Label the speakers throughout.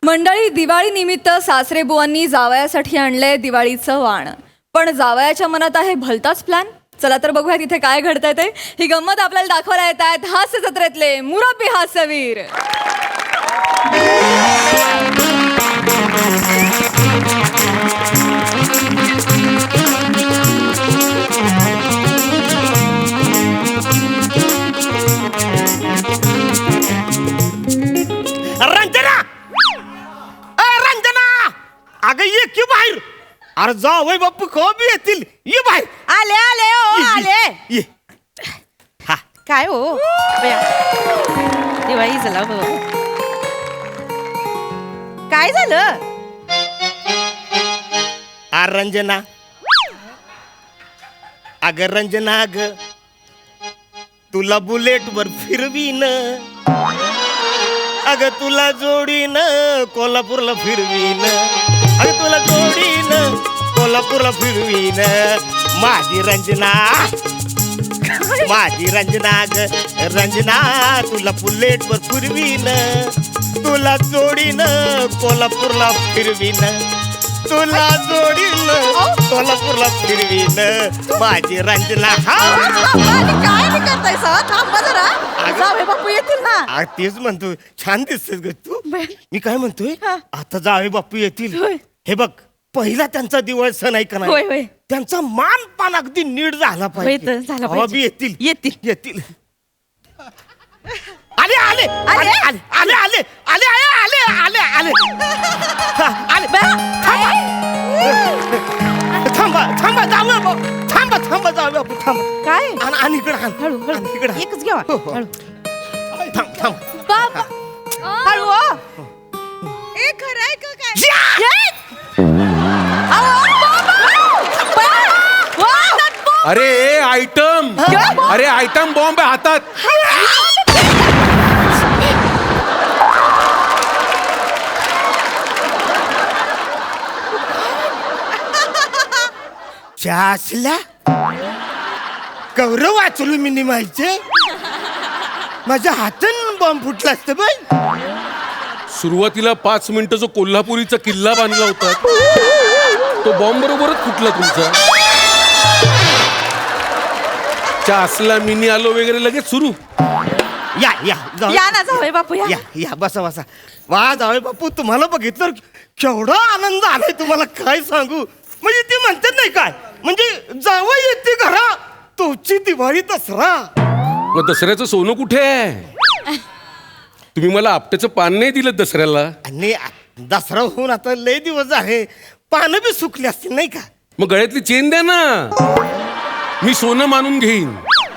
Speaker 1: मंडळी, दिवाळी निमित्त सासरे बुवांनी जावयासाठी आणलंय दिवाळीचं वाण. पण जावयाच्या मनात आहे भलताच प्लॅन. चला तर बघूया तिथे काय घडतंय ते. ही गंमत आपल्याला दाखवायला येत आहेत हास्य जत्रेतले मुरब्बी हास्यवीर.
Speaker 2: रंजना, रंजना, अगं ये की बाहेर. अरे जावई बापू कधी येतील? ये बाहेर.
Speaker 3: आले आले ओ
Speaker 2: ये,
Speaker 3: आले.
Speaker 2: ये. हा
Speaker 3: काय हो बया, दिवाळी झाला हो. काय झालं?
Speaker 2: रंजना, अगं रंजना, अग तुला बुलेट वर फिरवीन, अगं तुला जोडीन कोल्हापूरला फिरवीन, अगं तुला जोडीन कोल्हापूरला फिरवीन. माझी रंजना, माझी रंजना, ग रंजना, तुला बुलेट वर फिरवीन, तुला जोडीन कोल्हापूरला फिरवीन, तुला जोडीन कोल्हापूरला फिरवीन. माझी रंजना.
Speaker 3: काय नाही करताय सर? थांबा जरा. जावे बापू येतील ना.
Speaker 2: तेच म्हणतो, छान दिसतेस ग तू. मी काय म्हणतोय,
Speaker 3: हा.
Speaker 2: आता जावे बापू येतील.
Speaker 3: होय.
Speaker 2: हे बघ, पहिला त्यांचा दिवाळी सण आहे का
Speaker 3: होय,
Speaker 2: नाही,
Speaker 3: होय.
Speaker 2: त्यांचा मान पान अगदी नीट झाला
Speaker 3: होय
Speaker 2: पाहिजे.
Speaker 3: तर, झाला
Speaker 2: तेव्हा
Speaker 3: पाहिजे.
Speaker 2: बी येतील
Speaker 3: येतील.
Speaker 2: येतील. आले आले आले
Speaker 3: आले?
Speaker 2: आले आले आले आले आले आले आले हा, आले. थांबा थांबा जावे बापू, थांबा थांबा जावे बापू, थांबा.
Speaker 3: काय?
Speaker 2: आणि इकडे आण,
Speaker 3: हळू
Speaker 2: आणि इकडे
Speaker 3: हळू
Speaker 2: आण.
Speaker 3: एकच घ्यावा.
Speaker 2: हो, हो.
Speaker 3: हळू
Speaker 2: थांब थांब.
Speaker 1: बाबा,
Speaker 3: हळू हो. ए खरं आहे का काय?
Speaker 4: अरे आयटम, अरे आयटम बॉम्ब आहे हातात.
Speaker 2: असल्या गौरव वाचलो मी निमायचे. माझ्या हातून बॉम्ब फुटला असतं बाई.
Speaker 4: सुरुवातीला 5 मिनिटं जो कोल्हापुरीचा किल्ला बांधला होता तो बॉम्ब बरोबरच फुटला तुमचा. असला मिनी आलो वगैरे लगेच सुरू.
Speaker 2: या या जाऊ.
Speaker 3: या ना जावे बापू या.
Speaker 2: या या बसा बसा. वा जावे बापू, तुम्हाला बघितलं केवढा आनंद आलाय तुम्हाला काय सांगू. म्हणजे ती म्हणतात नाही काय, म्हणजे जावं येते घरा तुमची दिवाळी दसरा.
Speaker 4: मग दसऱ्याचं सोनं कुठे आहे? तुम्ही मला आपट्याचं पान नाही दिलं दसऱ्याला.
Speaker 2: आणि दसरा होऊन आता लय दिवस आहे, पानं बी सुकली असतील नाही का.
Speaker 4: मग गळ्यातली चेन द्या ना, मी सोनं मानून घेईन.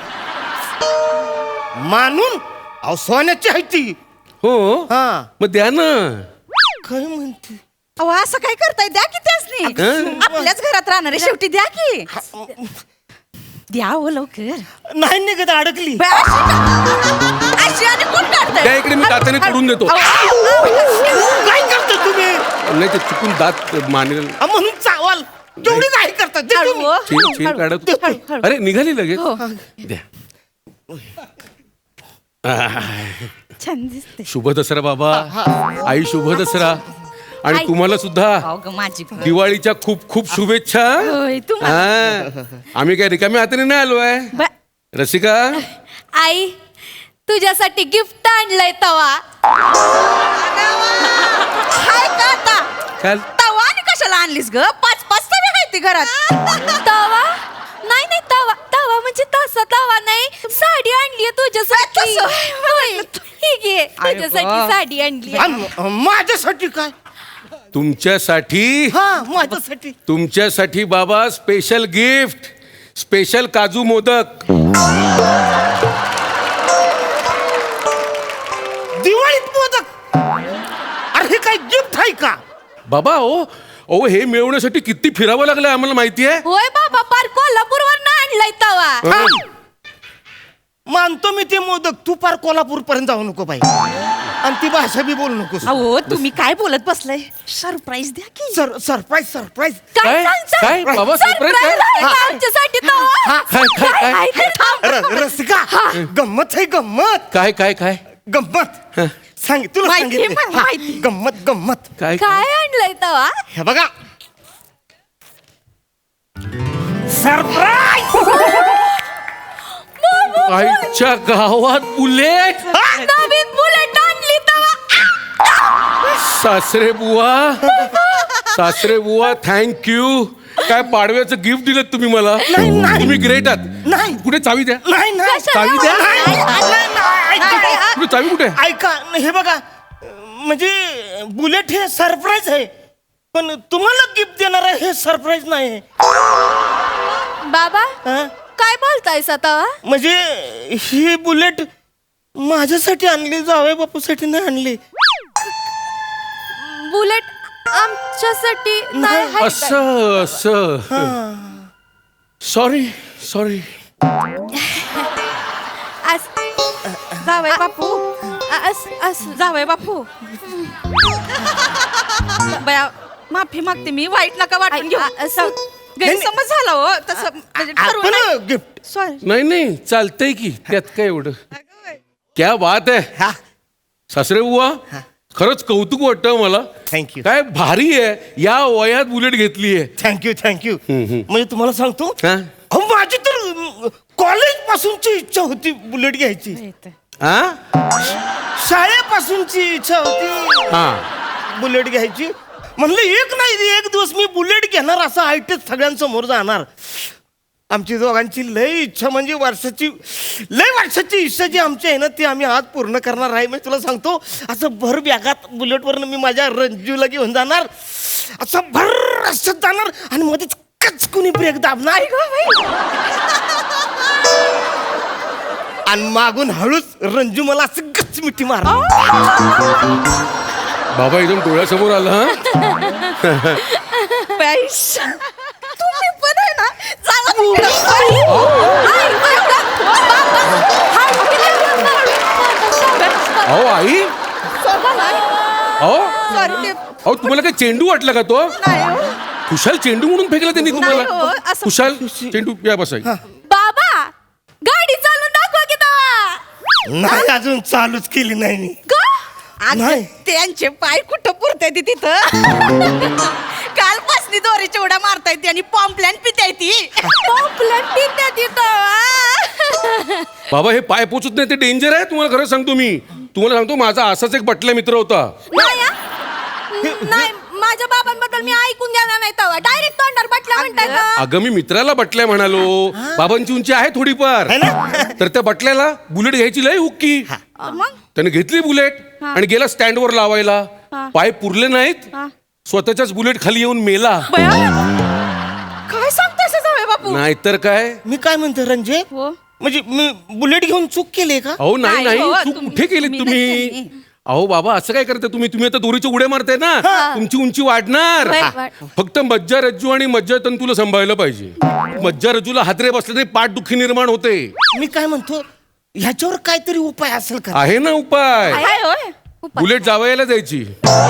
Speaker 2: मानून? अहो सोन्याची आहे ती.
Speaker 4: हो
Speaker 2: हा.
Speaker 4: मग द्या ना.
Speaker 2: काय म्हणते?
Speaker 3: अहो असं काय करताय? द्या की त्यासनी.
Speaker 4: हं?
Speaker 3: आपल्याच घरात राहणार आहे शेवटी. द्या की. द्या हो लवकर.
Speaker 2: नाही निघत, अडकली.
Speaker 3: बा, अशी आणि कोण काढतंय?
Speaker 4: त्या इकडे मी दाताने तोडून देतो.
Speaker 2: काय करता तुम्ही?
Speaker 4: नाही ते चुकून दात मानेल.
Speaker 2: म्हणून चावाल तेवढी काय करता ते
Speaker 3: हळू
Speaker 2: तुम्ही?
Speaker 3: हो.
Speaker 4: चेन
Speaker 3: हळू,
Speaker 4: काढत.
Speaker 3: हळू, हळू.
Speaker 4: अरे निघाली लगेच.
Speaker 3: हो.
Speaker 4: द्या.
Speaker 3: छान दिसते.
Speaker 4: शुभ दसरा बाबा. आई शुभ दसरा. आणि
Speaker 3: आई.
Speaker 4: तुम्हाला सुद्धा
Speaker 3: अहो ग माझी बहीण.
Speaker 4: दिवाळीच्या खूप खूप शुभेच्छा.
Speaker 3: होय, तुम्हाला.
Speaker 4: हा. आम्ही काय रिकाम्या हाताने नाही आलोय.
Speaker 3: बा,
Speaker 4: रसिका,
Speaker 1: आई तुझ्यासाठी गिफ्ट आणलंय तवा.
Speaker 3: हाय का आता?
Speaker 4: काल
Speaker 3: तवा आणि कशाला आणलीस ग? 5-5 तवे आहेत ती घरात.
Speaker 1: तवा नाही नाही, तवा तवा म्हणजे तसा तवा नाही. साडी आणली तुझ्यासाठी.
Speaker 3: तसं.
Speaker 1: होय. ही घे, तुझ्यासाठी
Speaker 3: गं.
Speaker 1: साडी आणली.
Speaker 2: आणि माझ्यासाठी काय?
Speaker 4: तुमच्यासाठी,
Speaker 2: हा माझ्यासाठी.
Speaker 4: तुमच्यासाठी बाबा स्पेशल गिफ्ट, स्पेशल काजू मोदक.
Speaker 2: दिवाळीत मोदक? अरे हे काय गिफ्ट आहे का?
Speaker 4: बाबा ओ हे मिळवण्यासाठी किती फिरावं लागलं आम्हाला माहिती आहे.
Speaker 1: होय बाबा, पार कोल्हापूरवरनं आणलाय तवा.
Speaker 2: थांब. मानतो मी ते मोदक, तू पार कोल्हापूर पर्यंत जाऊ नको बाई, आणि ती भाषा बी बोलू नकोस.
Speaker 3: अहो तुम्ही काय बोलत बसलाय? सरप्राईज द्या की.
Speaker 2: Surprise surprise.
Speaker 1: काय
Speaker 4: काय?
Speaker 1: सांगता?
Speaker 4: काय? बाबा, surprise
Speaker 1: Surprise
Speaker 4: काय?
Speaker 1: आहे का आमच्यासाठी तवा?
Speaker 4: काय?
Speaker 1: आहे ते थांब.
Speaker 2: रसिका, गंमत आहे गंमत.
Speaker 4: काय काय काय
Speaker 2: गंमत. सांग तुला
Speaker 3: माहिती,
Speaker 2: सांगितलं.
Speaker 3: मला माहिती.
Speaker 2: हा, गंमत गंमत
Speaker 4: काय
Speaker 1: काय आणलंय तवा
Speaker 2: हे बघा सरप्राईज.
Speaker 4: आईच्या गावात बुलेट
Speaker 1: नवीन बुलेट आणली तवा
Speaker 4: सासरे बुवा थँक्यू. काय पाडव्याचं गिफ्ट दिलं तुम्ही मला.
Speaker 2: नाही.
Speaker 4: तुम्ही ग्रेट आहात.
Speaker 2: नाही.
Speaker 4: कुठे चावी द्या.
Speaker 2: नाही नाही
Speaker 4: चावी द्या.
Speaker 2: ऐका.
Speaker 4: कुठे चावी कुठे.
Speaker 2: ऐका हे बघा म्हणजे बुलेट हे सरप्राईज आहे पण तुम्हाला गिफ्ट देणार आहे हे सरप्राईज नाही आहे.
Speaker 1: बाबा
Speaker 2: हा?
Speaker 1: काय बोलतायस आता
Speaker 2: म्हणजे ही बुलेट माझ्यासाठी आणली जावई बापूसाठी नाही आणली.
Speaker 1: बुलेट आमच्यासाठी नाही आहे काय?
Speaker 4: असं सॉरी
Speaker 3: जावई बापू जावई बापू बया माफी मागते मी. वाईट नका वाटून घेऊ. गैरसमज झाला हो तसं म्हणजे ठरवून नाही.
Speaker 2: आपण गिफ्ट
Speaker 3: सॉरी.
Speaker 4: नाही चालतंय की त्यात काय एवढं. क्या बात आहे
Speaker 2: हा
Speaker 4: सासरे बुवा. खरंच कौतुक वाटतं मला.
Speaker 2: थँक्यू
Speaker 4: काय भारी आहे या वयात बुलेट घेतली आहे.
Speaker 2: थँक्यू म्हणजे तुम्हाला सांगतो
Speaker 4: हा?
Speaker 2: अहो, माझी तर कॉलेज पासूनची इच्छा होती बुलेट घ्यायची.
Speaker 4: हा?
Speaker 2: शाळेपासूनची इच्छा होती
Speaker 4: हा.
Speaker 2: बुलेट घ्यायची. म्हणलं एक दिवस मी बुलेट घेणार असं आयटीत सगळ्यांसमोर जाणार. आमची दोघांची लय इच्छा म्हणजे लय वर्षाची इच्छा जी आमची आहे ना ती आम्ही आज पूर्ण करणार आहे. मी तुला सांगतो असं भर बॅगात बुलेटवरनं मी माझ्या रंजूला घेऊन जाणार. असं भर रस्त्यात जाणार आणि मध्येच कचकुनी ब्रेक दाबणार आणि मागून हळूच रंजू मला असं गच मिठी मार.
Speaker 4: बाबा एकदम डोळ्यासमोर आला. हा?
Speaker 3: तुम्ही पण आहे ना जावा तिकडं.
Speaker 4: अहो आई अहो
Speaker 3: Sorry, ते
Speaker 4: अहो तुम्हाला काय चेंडू वाटला का तो.
Speaker 3: नाही हो.
Speaker 4: खुशाल चेंडू म्हणून फेकला त्यांनी
Speaker 3: नाही
Speaker 4: तुम्हाला.
Speaker 3: हो, असं-
Speaker 4: खुशाल चेंडू या बसाई.
Speaker 1: बाबा गाडी चालून दाखवा की तवा
Speaker 2: नाही अजून चालूच केली नाही मी.
Speaker 3: आज
Speaker 2: नाही.
Speaker 3: त्यांचे पाय कुठं पुरताय ती तिथं. कालपासनी दोरीच्या उड्या मारताय ती आणि पॉम्पलॅन पिताय ती.
Speaker 4: बाबा हे पाय पोचत नाही ते डेंजर आहे. तुम्हाला खरं सांगतो मी. तुम्हाला सांगतो माझा असाच एक बटल्या मित्र होता.
Speaker 1: नाही माझ्या बाबांबद्दल मी ऐकून देणार नाही तवा डायरेक्ट तोंडावर बटला म्हणताय का?
Speaker 4: अगं मी मित्राला बटल्या म्हणालो. बाबांची उंची आहे थोडीफार.
Speaker 2: है ना?
Speaker 4: तर त्या बटल्याला बुलेट घ्यायची लय हुक्की.
Speaker 3: मग
Speaker 4: त्याने घेतली बुलेट आणि गेला स्टँडवर लावायला. पाय पुरले नाहीत. स्वतःच्याच बुलेट खाली येऊन मेला.
Speaker 3: बया काय सांगताय जावे बापू.
Speaker 4: नाहीतर काय.
Speaker 2: मी काय म्हणतो रंजे
Speaker 3: हो.
Speaker 2: म्हणजे मी बुलेट घेऊन चूक केली का?
Speaker 4: अहो
Speaker 3: नाही
Speaker 4: नाही
Speaker 3: हो,
Speaker 4: तू
Speaker 3: तुम्ही-
Speaker 4: कुठे गेलीत
Speaker 3: मी
Speaker 4: तुम्ही.
Speaker 3: नाही.
Speaker 4: अहो बाबा असं काय करता तुम्ही आता दोरीचे उड्या मारताय ना. तुमची उंची वाढणार. फक्त मज्जा रज्जू आणि मज्जा तंतूला सांभाळलं पाहिजे. मज्जा रज्जूला हादरे बसले तरी पाठदुखी निर्माण होते.
Speaker 2: मी काय म्हणतो ह्याच्यावर काहीतरी उपाय असेल का?
Speaker 4: आहे ना उपाय.
Speaker 3: काय होय.
Speaker 4: बुलेट जावयाला द्यायची.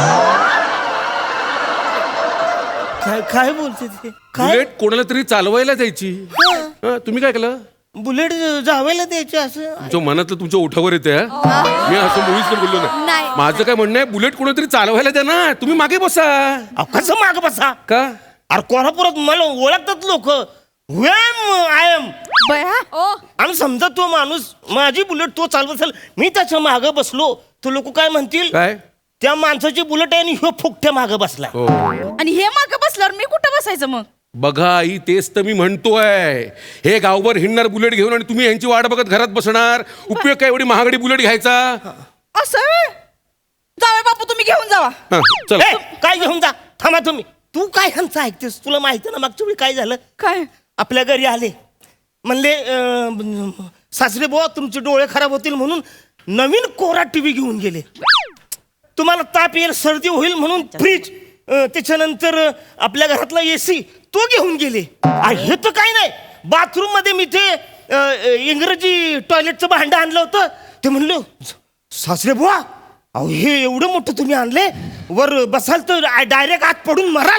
Speaker 2: काय काय बोलते ते काय
Speaker 4: बुलेट कोणाला तरी चालवायला द्यायची. हा, तुम्ही काय केलं.
Speaker 2: बुलेट जावायला द्यायचे असं?
Speaker 4: तुमच्या मनातलं तुमच्या ओठावर येते. हा? मी असं मुळीच तर बोललो
Speaker 1: नाही.
Speaker 4: नाही. माझं काय म्हणणं आहे बुलेट कोणातरी चालवायला द्या ना. तुम्ही मागे बसा.
Speaker 2: अहो, कसं माग बसा?
Speaker 4: का.
Speaker 2: अरे कोल्हापुरात मला ओळखतात लोक. आय एम
Speaker 3: बया
Speaker 1: ओ
Speaker 2: आणि समजा तो माणूस माझी बुलेट तो चालवत असेल मी त्याच्या मागे बसलो तर लोक काय म्हणतील
Speaker 4: काय.
Speaker 2: त्या माणसाची बुलेट आहे आणि ह्यो फुकट्या मागे बसला.
Speaker 4: हो
Speaker 3: आणि हे मागं बसल्यावर मी कुठं बसायचं मग.
Speaker 4: बघा आई तेच तर मी म्हणतोय. हे गावभर हिंडणार बुलेट घेऊन आणि तुम्ही यांची वाट बघत घरात बसणार. उपयोग काय एवढी महागडी बुलेट घ्यायचा.
Speaker 3: असं व्हय? जावे बापू तुम्ही घेऊन जावा.
Speaker 4: हा, चला.
Speaker 2: ए, काय घेऊन जा थांबा तुम्ही. तू काय ह्यांचं ऐकतेस? तुला माहिती ना मागच्या वेळी काय झालं?
Speaker 3: काय
Speaker 2: आपल्या घरी आले म्हणले सासरे बुवा तुमचे डोळे खराब होतील म्हणून नवीन कोरा टीव्ही घेऊन गेले. तुम्हाला ताप येईल सर्दी होईल म्हणून फ्रीज त्याच्यानंतर आपल्या घरातला एसी तो घेऊन गेले. हे तर काय नाही बाथरूम मध्ये मी ते इंग्रजी टॉयलेटचं भांडं आणलं होतं. ते म्हणलं सासरे बुवा अहो हे एवढं मोठं तुम्ही आणले वर बसाल तर डायरेक्ट आत पडून मराल.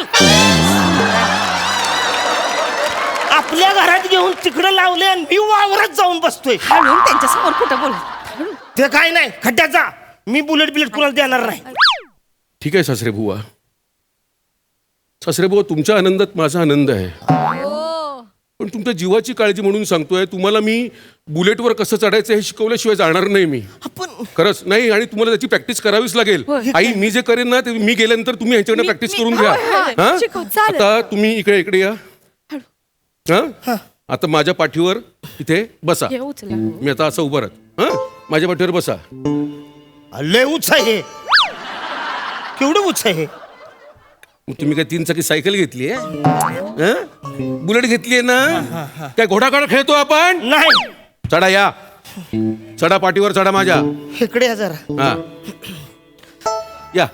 Speaker 2: आपल्या घरात घेऊन तिकडं लावले आणि मी वावरात जाऊन बसतोय.
Speaker 3: हळून त्यांच्या समोर कुठं बोल.
Speaker 2: ते काय नाही खड्ड्याचा मी बुलेट बिलेट कुणाला देणार नाही.
Speaker 4: ठीक आहे सासरे बुवा. सासरे बुवा, तुमच्या आनंदात माझा आनंद आहे, पण तुमच्या जीवाची काळजी म्हणून सांगतोय, तुम्हाला मी बुलेटवर कसं चढायचं हे शिकवल्याशिवाय जाणार नाही मी.
Speaker 2: आपण
Speaker 4: खरंच नाही, आणि तुम्हाला त्याची प्रॅक्टिस करावीच लागेल. आई, मी जे करेन ना ते मी गेल्यानंतर तुम्ही ह्यांच्याकडे प्रॅक्टिस करून घ्या. हा?
Speaker 1: शिकव, चालेल.
Speaker 4: आता तुम्ही इकडे इकडे या. हा? आता माझ्या पाठीवर इथे बसा.
Speaker 3: ये उचला.
Speaker 4: मी आता असं उभं राहत. हा, माझ्या पाठीवर बसा.
Speaker 2: लय उच्च आहे, केवढं उच्च आहे.
Speaker 4: मग तुम्ही काय 3 चाकी सायकल घेतली आहे? बुलेट घेतली आहे ना? काय घोडागाड खेळतो आपण?
Speaker 2: नाही,
Speaker 4: चढा, या चढा, पाठीवर चढा माझ्या.
Speaker 2: इकडे या जरा.
Speaker 4: हा, या.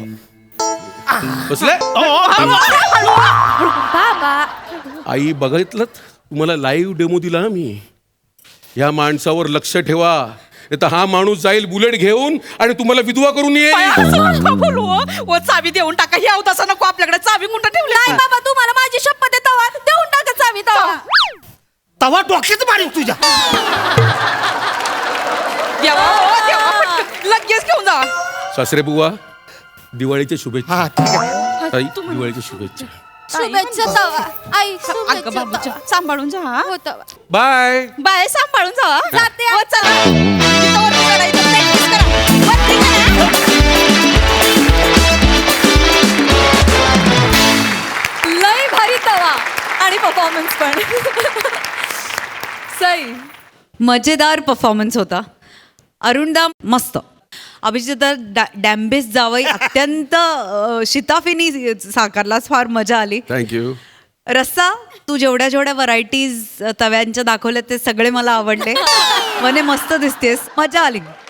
Speaker 4: बसले? आई, बघितलं तुम्हाला लाईव्ह डेमो दिला ना मी. या माणसावर लक्ष ठेवा, नाही तर हा माणूस जाईल बुलेट घेऊन आणि तुम्हाला विधवा करून येईल.
Speaker 3: असं नका बोलू हो. ओ, चावी देऊन टाका. ही अवतासा नको आपल्याकडे. चावी कुठं ठेवली?
Speaker 1: नाही बाबा, तुम्हाला माझी शपथ आहे, तवा देऊन टाका चावी तवा.
Speaker 2: तवा डोक्यात मारीन तुझ्या.
Speaker 3: देवा, ओ, देवा, पटकन लगेच घेऊन जा.
Speaker 4: सासरे बुवा, दिवाळीच्या शुभेच्छा.
Speaker 2: हा, ठीक आहे.
Speaker 4: ताई, दिवाळीच्या शुभेच्छा.
Speaker 1: शुभेच्छा तवा. आई,
Speaker 3: अगं
Speaker 1: शुभेच्छा
Speaker 3: बाबूच्या
Speaker 1: तवा.
Speaker 3: सांभाळून जा हा.
Speaker 1: हो तवा.
Speaker 4: बाय.
Speaker 3: बाय, सांभाळून जा.
Speaker 1: जाते.
Speaker 3: हो, चला. तिथं वरती चढायचं. Practice करा. वरती चढा.
Speaker 1: लय भारी तवा आणि परफॉर्मन्स पण. सई.
Speaker 5: मजेदार परफॉर्मन्स होता. अरुणदा मस्त. अभिजित डॅम्बेस जावई अत्यंत शिताफीनी साकारलास. फार मजा आली.
Speaker 4: थँक्यू.
Speaker 5: रस्सा, तू जेवढ्या जेवढ्या व्हरायटीज तव्यांच्या दाखवल्या ते सगळे मला आवडले. मने मस्त दिसतेस, मजा आली.